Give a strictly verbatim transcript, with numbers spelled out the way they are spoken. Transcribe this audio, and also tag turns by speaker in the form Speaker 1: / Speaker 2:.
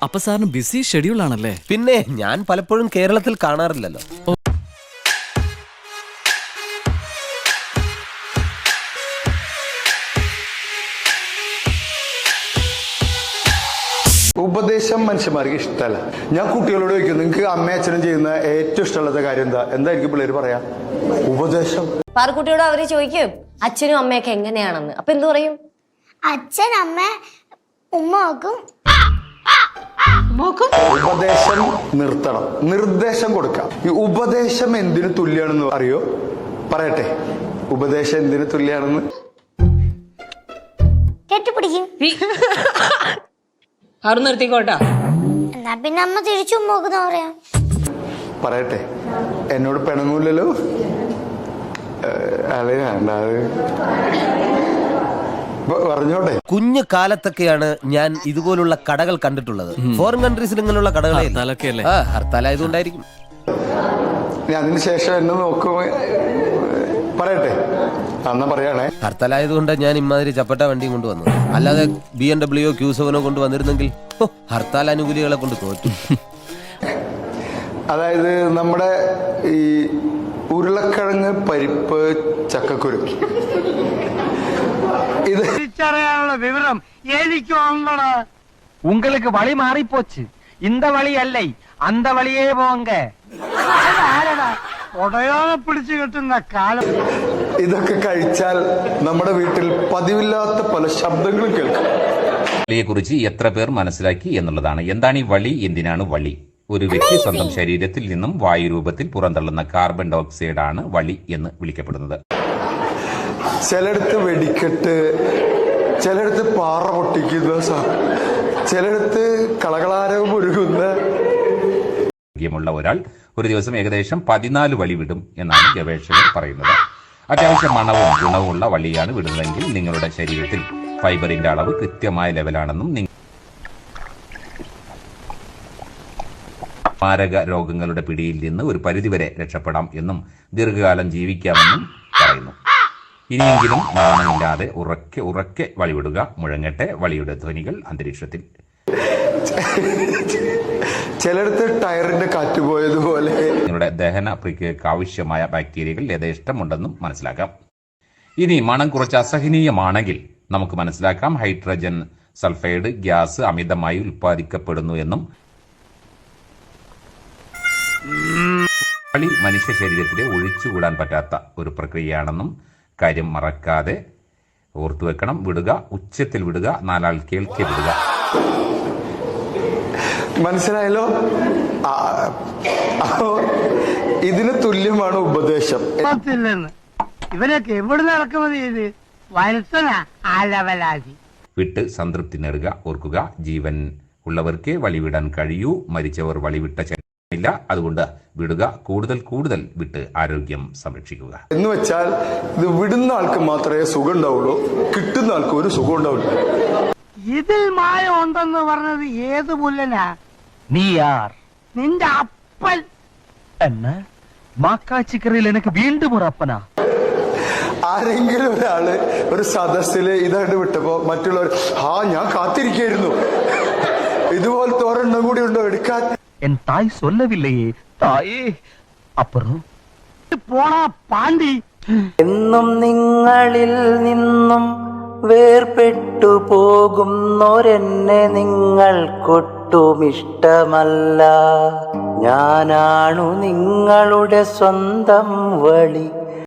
Speaker 1: അപ്പൊ സാറിന് BC schedule ആണല്ലേ?
Speaker 2: പിന്നെ ഞാൻ പലപ്പോഴും കേരളത്തിൽ കാണാറില്ലല്ലോ.
Speaker 3: ഉപദേശം മനുഷ്യന്മാർക്ക് ഇഷ്ടമല്ല. ഞാൻ കുട്ടികളോട് ചോദിക്കും, നിങ്ങൾക്ക് അമ്മയും അച്ഛനും ചെയ്യുന്ന ഏറ്റവും ഇഷ്ടമുള്ള കാര്യം എന്താ? എന്തായിരിക്കും പിള്ളേര് പറയാ? ഉപദേശം.
Speaker 4: പാറക്കുട്ടിയോട് അവര് ചോദിക്കും അച്ഛനും അമ്മയൊക്കെ എങ്ങനെയാണെന്ന്. അപ്പൊ എന്തു പറയും?
Speaker 5: അച്ഛൻ അമ്മ ഉമ്മ നോക്കും.
Speaker 3: ഉപദേശം നിർത്തണം, നിർദ്ദേശം കൊടുക്കാം. ഈ ഉപദേശം എന്തിനു തുല്യാണെന്ന് അറിയോ? പറയട്ടെ, ഉപദേശം എന്തിനു തുല്യാണെന്ന്?
Speaker 5: കെട്ടിപ്പിടിക്കും.
Speaker 6: ആറ് നിർത്തിക്കോട്ടാ.
Speaker 5: എന്നാ പിന്നെ അമ്മ തിരിച്ചു നോക്കുന്ന പറയാ.
Speaker 3: പറയട്ടെ, എന്നോട് പിണങ്ങൂലല്ലോ. അല്ലേ പറഞ്ഞോട്ടെ.
Speaker 2: കുഞ്ഞു കാലത്തൊക്കെയാണ് ഞാൻ ഇതുപോലുള്ള കടകൾ കണ്ടിട്ടുള്ളത്. ഫോറിൻ കൺട്രീസിൽ ഇങ്ങനെയുള്ള കടകളെ ഹർത്താലായതുകൊണ്ടായിരിക്കും.
Speaker 3: അതിന് ശേഷം എന്നെ നോക്കുമ്പോ പറയട്ടെ, അന്നാ പറയാണേ.
Speaker 2: ഹർത്താലായതുകൊണ്ട് ഞാൻ ഇമാതിരി ചപ്പട്ട വണ്ടിയും കൊണ്ടുവന്നു. അല്ലാതെ ബി എം ഡബ്ല്യു ക്യൂ സെവനോ കൊണ്ടുവന്നിരുന്നെങ്കിൽ ഹർത്താൽ അനുകൂലികളെ കൊണ്ട് തോറ്റു.
Speaker 3: അതായത് നമ്മുടെ ഈ ഉരുളക്കിഴങ്ങ്, പരിപ്പ്, ചക്കക്കുരു, ഇത്
Speaker 7: തിരിച്ചറിയാനുള്ള വിവരം എനിക്ക് വന്നടാ. உங்களுக்கு வழி மாறி போச்சு. இந்த வழி அல்ல, அந்த வழியே போங்க. ഉടയോനെ പിടിച്ചു കിട്ടുന്ന കാലം.
Speaker 3: ഇതൊക്കെ കഴിച്ചാൽ നമ്മുടെ വീട്ടിൽ പതിവില്ലാത്ത പല ശബ്ദങ്ങളും കേൾക്കും.
Speaker 8: വളിയെക്കുറിച്ച് എത്ര പേർ മനസ്സിലാക്കി എന്നുള്ളതാണ്. എന്താണ് ഈ വളി? എന്തിനാണ് വളി? ഒരു വ്യക്തി സ്വന്തം ശരീരത്തിൽ നിന്നും വായുരൂപത്തിൽ പുറന്തള്ളുന്ന കാർബൺ ഡൈ ഓക്സൈഡ് ആണ് വളി എന്ന് വിളിക്കപ്പെടുന്നത്.
Speaker 3: ചിലടത്ത് വെടിക്കെട്ട്, ചിലടത്ത് പാറ പൊട്ടിക്കുന്ന, ചിലടത്ത് കളകളാരവും ഒരുങ്ങുന്ന.
Speaker 8: ുള്ള ഒരാൾ ഒരു ദിവസം ഏകദേശം പതിനാല് വളി വിടും എന്നാണ് ഗവേഷകർ പറയുന്നത്. അത്യാവശ്യം മണവും ഗുണവുമുള്ള വളിയാണ് വിടുന്നതെങ്കിൽ നിങ്ങളുടെ ശരീരത്തിൽ ഫൈബറിന്റെ അളവ് കൃത്യമായ ലെവലാണെന്നും മാരക രോഗങ്ങളുടെ പിടിയിൽ നിന്ന് ഒരു പരിധിവരെ രക്ഷപ്പെടാം എന്നും ദീർഘകാലം ജീവിക്കാമെന്നും പറയുന്നു. ഇനിയെങ്കിലും നാണമില്ലാതെ ഉറക്കെ ഉറക്കെ വളിവിടുക. മുഴങ്ങട്ടെ വളിയുടെ ധ്വനികൾ അന്തരീക്ഷത്തിൽ.
Speaker 3: ചിലടത്ത് ടയറിന്റെ കാറ്റ് പോയതുപോലെ
Speaker 8: നിങ്ങളുടെ ദഹന പ്രക്രിയക്ക് ആവശ്യമായ ബാക്ടീരിയകൾ യഥേഷ്ടമുണ്ടെന്നും മനസ്സിലാക്കാം. ഇനി മണം കുറച്ച് അസഹനീയമാണെങ്കിൽ നമുക്ക് മനസ്സിലാക്കാം ഹൈഡ്രജൻ സൾഫൈഡ് ഗ്യാസ് അമിതമായി ഉൽപ്പാദിക്കപ്പെടുന്നു എന്നും. വളി മനുഷ്യ ശരീരത്തിലെ ഒഴിച്ചുകൂടാൻ പറ്റാത്ത ഒരു പ്രക്രിയയാണെന്നും കാര്യം മറക്കാതെ ഓർത്തുവെക്കണം. വിടുക, ഉച്ചത്തിൽ വിടുക, നാലാൾ കേൾക്കെ വിടുക.
Speaker 3: മനസ്സിലായല്ലോ? ഇതിന് തുല്യമാണ് ഉപദേശം.
Speaker 7: ഇവനൊക്കെ എവിടെ നടക്കുന്നത് ചെയ്ത് വത്സനാ ആലവലാതി.
Speaker 8: വിട്ട് സംതൃപ്തി നേടുക. ഓർക്കുക, ജീവൻ ഉള്ളവർക്ക് വളിവിടാൻ കഴിയൂ, മരിച്ചവർ വളിവിട്ട ഇല്ല. അതുകൊണ്ട് വിടുക, കൂടുതൽ കൂടുതൽ വിട്ട് ആരോഗ്യം സംരക്ഷിക്കുക.
Speaker 3: എന്ന് വെച്ചാൽ ഇത് വിടുന്ന ആൾക്ക് മാത്രമേ സുഖം ഉണ്ടാവുള്ളൂ, കിട്ടുന്ന ആൾക്ക് ഒരു സുഖം ഉണ്ടാവില്ല.
Speaker 7: ഇതിൽ മായ ഉണ്ടെന്ന് പറഞ്ഞത് ഏത് മുല്ലനാ? നീ ആർ? നിന്റെ അപ്പൻ. എന്നെ മാക്കാച്ചിക്കറിയിൽ എനിക്ക് വീണ്ടും ഒരു അപ്പനാ.
Speaker 3: ആരെങ്കിലും ഒരാള് ഒരു സദസ്സില് ഇതായിട്ട് വിട്ടപ്പോ മറ്റുള്ളവർ ആ ഞാൻ കാത്തിരിക്കായിരുന്നു, ഇതുപോലത്തെ ഒരെണ്ണം കൂടി ഉണ്ടോ എടുക്കാൻ?
Speaker 7: എൻ തായ് சொல்லவில்லையே തായേ. അപ്പുറം പോണാ പാണ്ടി.
Speaker 9: എന്നും നിങ്ങളിൽ നിന്നും വേർപെട്ടു പോകുന്നോരെന്നെ നിങ്ങൾക്കൊട്ടും ഇഷ്ടമല്ല. ഞാനാണു നിങ്ങളുടെ സ്വന്തം വളി.